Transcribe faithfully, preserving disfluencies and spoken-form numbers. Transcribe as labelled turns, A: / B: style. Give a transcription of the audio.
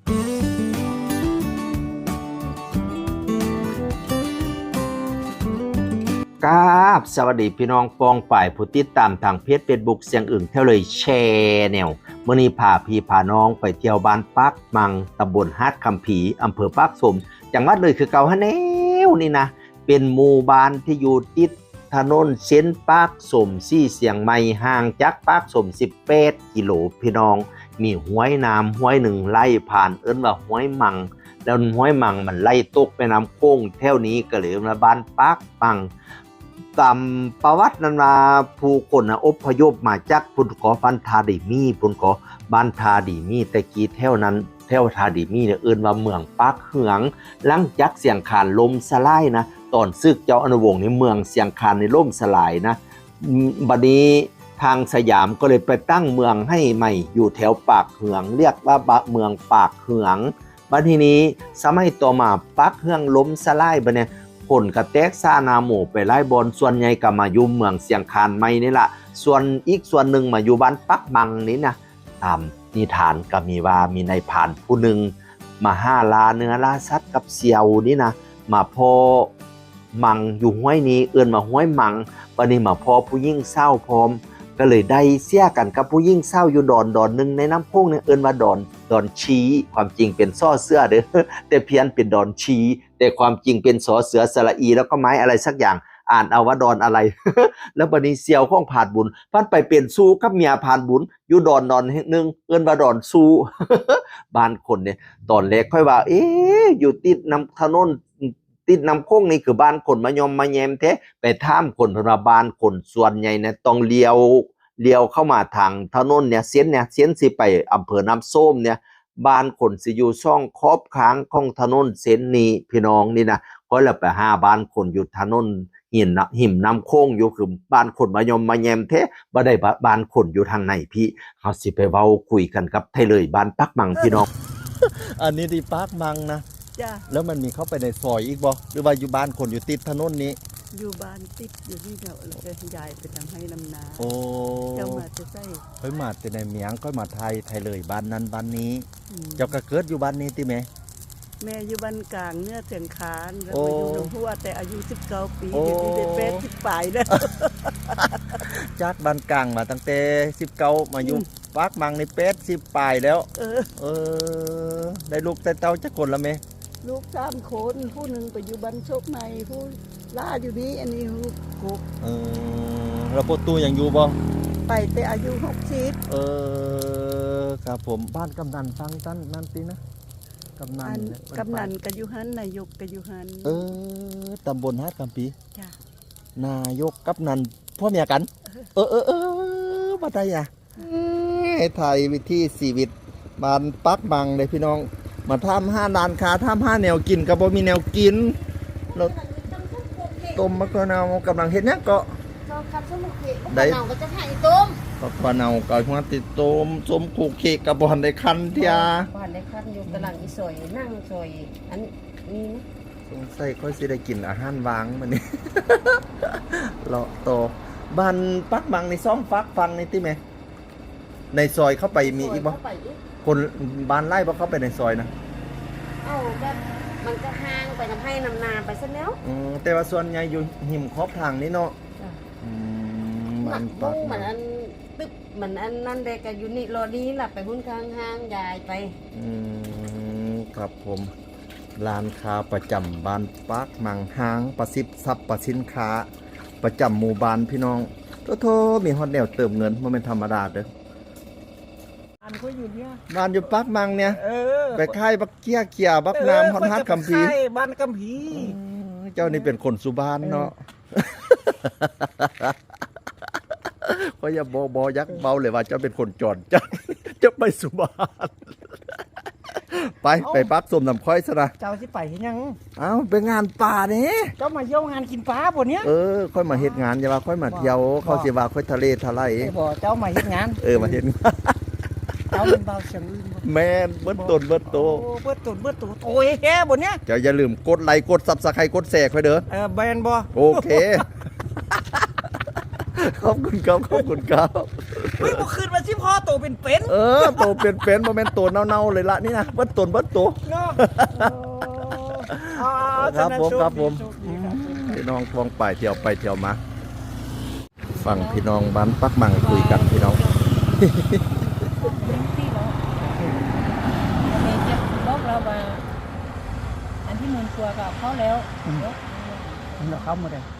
A: กราบสวัสดีพี่น้องปองป่ายผู้ติดตามทางเพจเฟซบุ๊กเสียงอึ่งเท่าเลยแชร์แนวมื้อนี้พาพี่พาน้องไปเที่ยวบ้านปักมังตำบลฮาดคำผีอำเภอปากสมจังหวัดเลยคือเก่าฮะแนวนี่นะเป็นหมู่บ้านที่อยู่ติดถนนเส้นปากสมซี่เสียงใหม่ห่างจากปากสมสิบแปดกิโลพี่น้องมีห้วยน้ำห้วยหนึ่งไล่ผ่านเอิ้นว่าห้วยมังแล้วห้วยมังมันไล่ตกไปน้ำโค้งแถวนี้ก็เลยมาบ้านปักมังตามประวัตินั้นมาผู้คนนะอพยพมาจากพุ่นขอฟันทาดีมีพุ่นขอบ้านทาดีมีแต่กี้แถวนั้นแถวทาดีมีเนี่ยเอิ้นว่าเมืองปักเหืองหลังจากเสียงขานลมสลายนะตอนซึกเจ้าอนุวงศ์ในเมืองเสียงคานในล่มสลายนะบัดนี้ทางสยามก็เลยไปตั้งเมืองให้ใหม่อยู่แถวปากเหืองเรียกว่าเมืองปากเหืองบัดทีนี้สมัยต่อมาปักเหืองล้มสลายบัดเนี่ยผลกระแตกซ่านาหมู่ไปไล่บอลส่วนใหญ่ก็มาอยู่เมืองเสียงคานใหม่นี่ล่ะส่วนอีกส่วนหนึ่งมาอยู่บ้านปักมังนี่นะตามนิทานก็มีว่ามีนายผ่านผู้หนึ่งมาห้าลาเนื้อลาสัตว์กับเสี่ยวนี่นะมาพอมังอยู่ห้วยนี้เอื้อนมาห้วยมังวันนี้มาพอผู้ยิ่งเศร้าพร้อมก็เลยได้เสียกันกับผู้ยิ่งเศร้าอยู่ดอนดอนหนึ่งในน้ำพุ่งเนี่ยเอื้อนว่าดอนดอนชีความจริงเป็นซ่อเสื้อเด้อแต่เพี้ยนเป็นดอนชีแต่ความจริงเป็นสอเสือสระอีแล้วก็ไม้อะไรสักอย่างอ่านเอาว่าดอนอะไร แล้วบัดนี้เสี่ยวของผ่านบุญพันไปเปลี่ยนสู้กับเมียผ่านบุญอยู่ดอนดอนหนึ่งเอื้อนว่าดอนสู้ บ้านคนเนี่ยตอนแรกค่อยว่าเอ๊ะอยู่ติดน้ำถนนติดน้ำโค้งนี่คือบ้านคนมายอมมาแยมแท้ไปท่ามคนพระบ้านคนส่วนใหญ่เนี่ยต้องเลี้ยวเลี้ยวเข้ามาทางถนนเนี่ยเส้นเนี่ยเส้นสิไปอำเภอน้ำส้มเนี่ยบ้านคนสิอยู่ช่องครอบค้างของถนนเส้นนี้พี่น้องนี่นะก็แล้วไปหาบ้านคนอยู่ถนนหินหิมน้ำโค้งอยู่คือบ้านคนมายอมมาแยมแท้บ่ได้บ้านคนอยู่ทางไหนพี่เฮาสิไปเว้าคุยกันกับไทเลยบ้านปักมังพี่น้อง อันนี้ที่ปักมังนะ
B: จ้ะ
A: แล้วมันมีเข้าไปในซอยอีกบ่หรือว่าอยู่บ้านคนอยู่ติดถนนนี้
B: อยู่บ้านติดอยู่ที่เดียวแล้วก็ยายไปทำให้ลำนา
A: โอ้
B: เจ้ามาจะใส่
A: ค่อยมาแต่ในเมียงค่อยมาไทยไทยเลยบ้านนั้นบ้านนี้เจ้าก็เกิดอยู่บ้านนี้ติแม่
B: แม่อยู่บ้านกลางเนื้อเสียงคานแล้วมาอยู่หนองพัวแต่อายุสิบเก้าปีเดี๋ยวนี้ได้แปดสิบปลายแล้ว
A: จากบ้านกลางมาตั้งแต่สิบเก้ามาอยู่ปักมังในแปดสิบปลายแล้วเออเออได้ลูกแต่เต้าจักคนละแม่
B: ลูกสามคนผู้หนึ่งไปอยู่บ้านโชคในผู้ล่าอยู่นี้อันนี้ลูกกบ
A: เออแล้วพ่อตู้ยังอยู่บ่
B: ไปแต่อายุหกสิบ
A: เออครับผมบ้านกำนันฟังตั้นนั่นสินะกำนัน
B: กำนันกะยุหันนายกกะยุหัน
A: เออตำบลฮาดคำปี
B: จ้ะ
A: นายกกำนันพ่อเมียกันเออเออเออมาได้อ่ะไทยวิธีชีวิตบ้านปักบังเลยพี่น้องมาทำห้านานค้าทำห้าแนวกินกับบ่มีแนวกินเราต้มมะกะนาวกำลังเห็นเนี่ยก็
B: ได้เนาก็จะให้ต้ม
A: มะกะนาวกับหัวติดต้มส้มขูกเค้กกับบอนได้คันเทีย
B: บอนได้คันอยู่กำลังอีสอยนั่งสอยอันนี้นะ
A: สงสัยค่อยสิได้กินอาหารวางมันนี่ เลาะโตบ้านปักบังในซ่อมฟักฟังในที่ไหมในซอยเข้าไปมีอีกบ่คนบ้านไร่บ่เข้าไปในซอยนะ
B: เอ้าแบบมันก็ห่างไปทำให้นำนาไปซะแล้ว
A: อือแต่ว่าส่วนใหญ่อยู่หิมขอบทางนี้เนาะอืม
B: มันปักมันอันตึ๊บมันอันนั่นเด็กก็อยู่นี่รอนี้ล่ะไปหุ้นข้างห้างยายไป
A: อืมครับผมร้านค้าประจำบ้านปักมังห้างประสิทธิ์ทรัพย์ประสินค้าประจำหมู่บ้านพี่น้องโทษมีฮอตแนวเติมเงินบ่แม่นธรรมดาเด้อ
B: บ้านเขาอยู่เนี่ย
A: บ้านอยู่ปักมังเนี่ยไปค่ายบักเกี้ยเกียบักน้ำฮอตฮัดกัมพี
B: บ้านกัมพี
A: เจ้านี่เป็นคนสุบานเนาะก็อย่าบอบอยักเบาเลยว่าเจ้าเป็นคนจอนจะจะไปสุบานไปไปปักสมน้ำค่อยซะนะ
B: เจ้าสิไปยัง
A: เอ้าไปงานป่าเนี่ย
B: เจ้ามาเยี่ยมงานกินปลาบ่เนี้ย
A: เออค่อยมาเฮ็ดงานอย่าว่าค่อยมาเที่ยวเขาสิว่าค่อยทะเลทลาย
B: บ่เจ้ามาเฮ็ดงาน
A: เออมาเฮ็ดงาน
B: เจ้าเป็นเบาเสียงอื่นบ่
A: แม่นเบิ้ลต้นเบิ้ลโต
B: โอ้เบิ้ลต้นเบิ้ลโตโอ้ยแฮ่บ่เนี้ย
A: เจ้าอย่าลืมกดไลค์กด ซับสไครบ์ กดแชร์ค่อยเด้อ
B: เออแบนบ่
A: โอเคขอบคุณครับขอบคุณครับ
B: เฮ้ยบ่คืนมาสิพ่อ
C: ตัวเป็นเป็น
D: เออโตเป็นเป็นบ่แม่นโตเน่าๆเลยละนี่นะเบิดตนเบิดโต
C: เนาะเอา
D: ครับผม
C: โช
D: ครับผม
C: โชดีครับผม
D: พี่น้องฟองไปเที่ยวไปเที่ยวมาฟังพี่น้องบ้านปักมังคุยกันพี่น้อง
E: เมย์เจ็บบอกเราว่าอันที่หมื่นกว่ากับเขาแล้ว
C: เราเข้ามาได้